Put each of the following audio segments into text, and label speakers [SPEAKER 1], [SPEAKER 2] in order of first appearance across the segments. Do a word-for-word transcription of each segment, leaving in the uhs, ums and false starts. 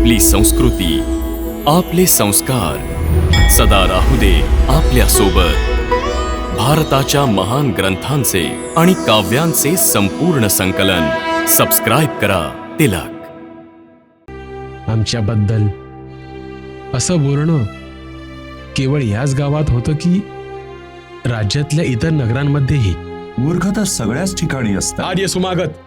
[SPEAKER 1] आपली संस्कृती, आपले संस्कार सदा राहू दे आपल्या सोबत. भारताच्या महान ग्रंथांचे आणि काव्यांचे संपूर्ण संकलन. सबस्क्राईब करा तिलक.
[SPEAKER 2] आमच्याबद्दल असं बोलणं केवळ याच गावात होतं की राज्यातल्या इतर नगरांमध्येही?
[SPEAKER 3] मूर्ख तर सगळ्याच ठिकाणी असतात.
[SPEAKER 2] आर्य सुमागत,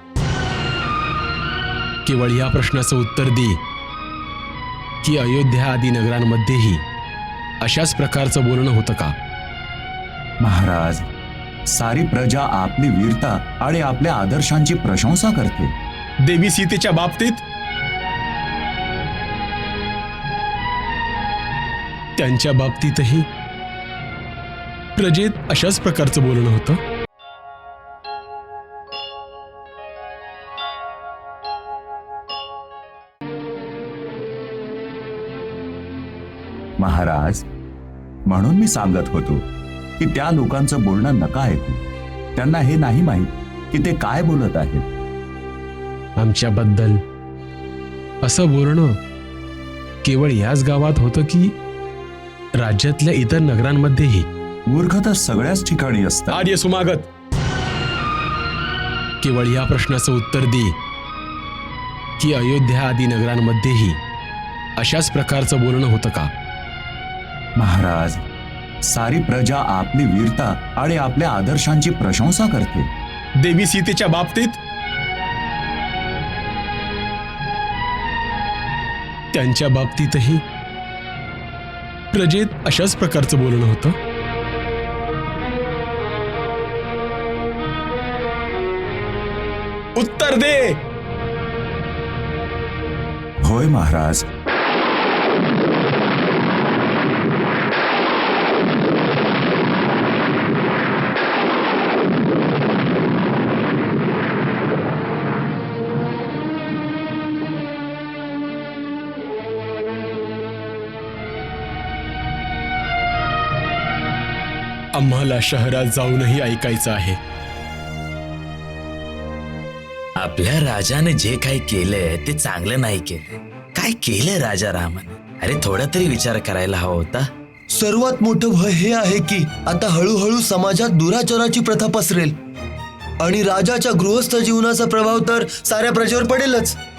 [SPEAKER 2] केवळ या प्रश्नाचं उत्तर दे की अयोध्या आदी नगरांमध्येही अशाच प्रकारचं बोलणं होतं का?
[SPEAKER 3] महाराज, सारी प्रजा आपली वीरता आणि आपल्या आदर्शांची प्रशंसा करते.
[SPEAKER 2] देवी सीतेच्या बाबतीत त्यांच्या बाबतीतही प्रजेत अशाच प्रकारचं बोलणं होतं.
[SPEAKER 3] महाराज, म्हणून मी सांगत होतो की त्या लोकांचं बोलणं नका ऐकू. त्यांना हे नाही माहीत की ते काय बोलत आहेत.
[SPEAKER 2] आमच्याबद्दल असं बोलणं केवळ याच गावात होतं की राज्यातल्या इतर नगरांमध्येही?
[SPEAKER 3] मूर्ख तर सगळ्याच ठिकाणी असतात.
[SPEAKER 2] आर्य सुमागत, केवळ या प्रश्नाचं उत्तर दे की अयोध्या आदी नगरांमध्येही अशाच प्रकारचं बोलणं होतं का?
[SPEAKER 3] महाराज, सारी प्रजा आपली वीरता आणि आपल्या आदर्शांची प्रशंसा करते.
[SPEAKER 2] देवी सीतेच्या बाबतीत त्यांच्या बाबतीतही प्रजेत अशाच प्रकारचं बोलणं होतं. उत्तर दे.
[SPEAKER 3] होय महाराज.
[SPEAKER 2] आम्हाला शहरात जाऊनही ऐकायचं आहे.
[SPEAKER 4] आपल्या राजाने जे काही केलंय ते चांगलं नाही केलं. काय केलंय राजा रामाने? अरे थोडा तरी विचार करायला हवा होता.
[SPEAKER 5] सर्वात मोठं भय हे आहे की आता हळूहळू समाजात दुराचाराची प्रथा पसरेल आणि राजाच्या गृहस्थ जीवनाचा प्रभाव तर साऱ्या प्रजेवर पडेलच.